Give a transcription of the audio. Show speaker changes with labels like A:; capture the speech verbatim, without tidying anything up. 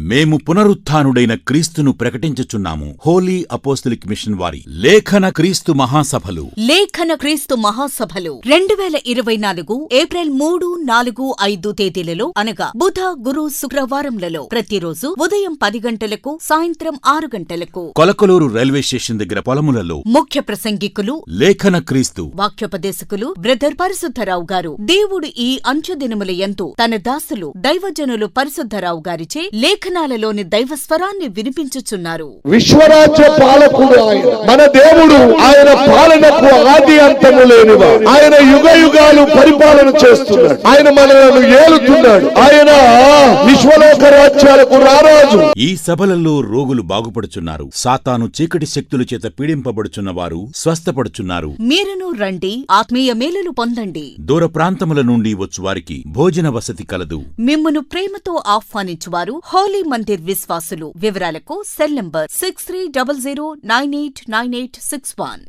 A: మేము పునరుత్థానుడైన క్రీస్తును ప్రకటించుచున్నాము. Holi apostolic machine వారి లేఖన క్రీస్తు మహాసభలు
B: లేఖన క్రీస్తు మహాసభలు రెండు వేల ఇరవై నాలుగు ఏప్రిల్ మూడు నాలుగు ఐదు తేదీలలో అనగా బుధ గురు శుక్రవారంలలో ప్రతిరోజు ఉదయం పది గంటలకు సాయంత్రం ఆరు గంటలకు
A: కొలకలూరు రైల్వే స్టేషన్ దగ్గర పొలములలో
B: ముఖ్య ప్రసంగికులు
A: లేఖన క్రీస్తు
B: వాక్యోపదేశకులు బ్రదర్ పరిశుద్ధరావు గారు. దేవుడు ఈ అంచెదినముల యందు తన దాసులు దైవజనులు పరిశుద్ధరావు గారిచే లేఖనాలలోని దైవస్వరాన్ని వినిపించుచున్నారు.
C: విశ్వరాజ్య పాలకుడు ఆయన మన దేవుడు. ఆయన పాలనకు ఆది అంతము లేనివా. ఆయన యుగ యుగాలు పరిపాలన చేస్తున్నాడు. ఆయన మనలను ఏలుతున్నాడు. ఆయన విశ్వలోక రాజ్యాలకు రారాజు.
A: ఈ సభలలో రోగులు బాగుపడుచున్నారు. సాతాను చీకటి శక్తుల చేత పీడింపబడుచున్న వారు స్వస్థపడుచున్నారు.
B: మీరును రండి, ఆత్మీయ మేలులు పొందండి.
A: దూర ప్రాంతముల నుండి వచ్చువారికి భోజన వసతి కలదు.
B: మిమ్మును ప్రేమతో ఆహ్వానించువారు హోలీ మందిర్ విశ్వాసులు. వివరాలకు cell number six three double zero nine eight nine eight six one.